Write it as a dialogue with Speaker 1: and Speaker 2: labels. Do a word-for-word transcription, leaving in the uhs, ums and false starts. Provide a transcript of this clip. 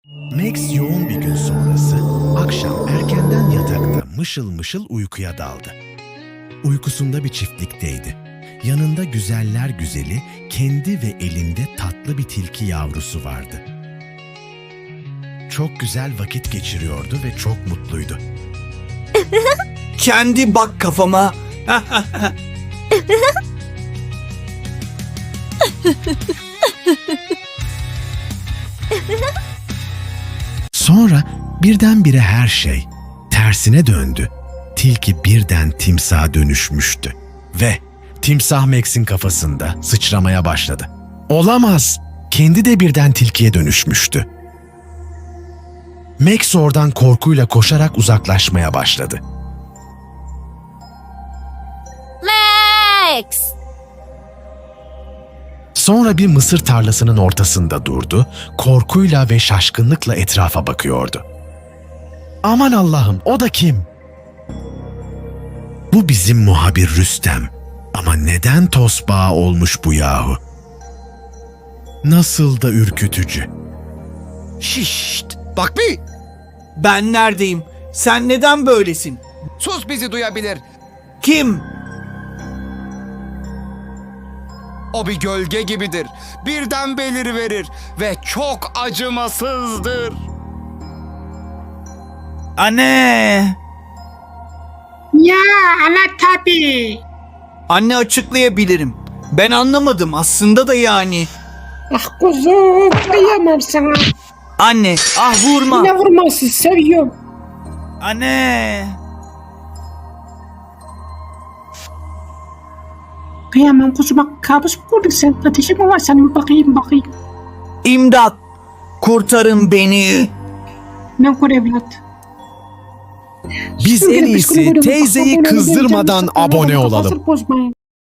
Speaker 1: Max yoğun bir gün sonrası akşam erkenden yatakta mışıl mışıl uykuya daldı. Uykusunda bir çiftlikteydi. Yanında güzeller güzeli, kendi ve elinde tatlı bir tilki yavrusu vardı. Çok güzel vakit geçiriyordu ve çok mutluydu.
Speaker 2: Kendi bak kafama.
Speaker 1: Sonra birdenbire her şey tersine döndü. Tilki birden timsaha dönüşmüştü. Ve timsah Max'in kafasında sıçramaya başladı. Olamaz! Kendi de birden tilkiye dönüşmüştü. Max oradan korkuyla koşarak uzaklaşmaya başladı.
Speaker 3: Max!
Speaker 1: Sonra bir mısır tarlasının ortasında durdu, korkuyla ve şaşkınlıkla etrafa bakıyordu. Aman Allah'ım, o da kim? Bu bizim muhabir Rüstem. Ama neden tosbağa olmuş bu yahu? Nasıl da ürkütücü.
Speaker 4: Şişt! Bak bir!
Speaker 2: Ben neredeyim? Sen neden böylesin?
Speaker 4: Sus, bizi duyabilir.
Speaker 2: Kim?
Speaker 4: O bir gölge gibidir. Birden beliriverir ve çok acımasızdır.
Speaker 2: Anne!
Speaker 5: Ya ana tabii.
Speaker 2: Anne, açıklayabilirim. Ben anlamadım aslında da yani.
Speaker 5: Ah kuzum kıyamam sana.
Speaker 2: Anne, ah vurma.
Speaker 5: Ne vurması seviyorum.
Speaker 2: Anne!
Speaker 5: Kıyamam kuzuma, kabus mu gördün sen? Ateşin mi var senin? Bakayım bakayım.
Speaker 2: İmdat! Kurtarın beni.
Speaker 5: Ben kur evlat.
Speaker 1: Biz en iyisi teyzeyi kızdırmadan abone olalım.
Speaker 5: Kafasını bozmayın.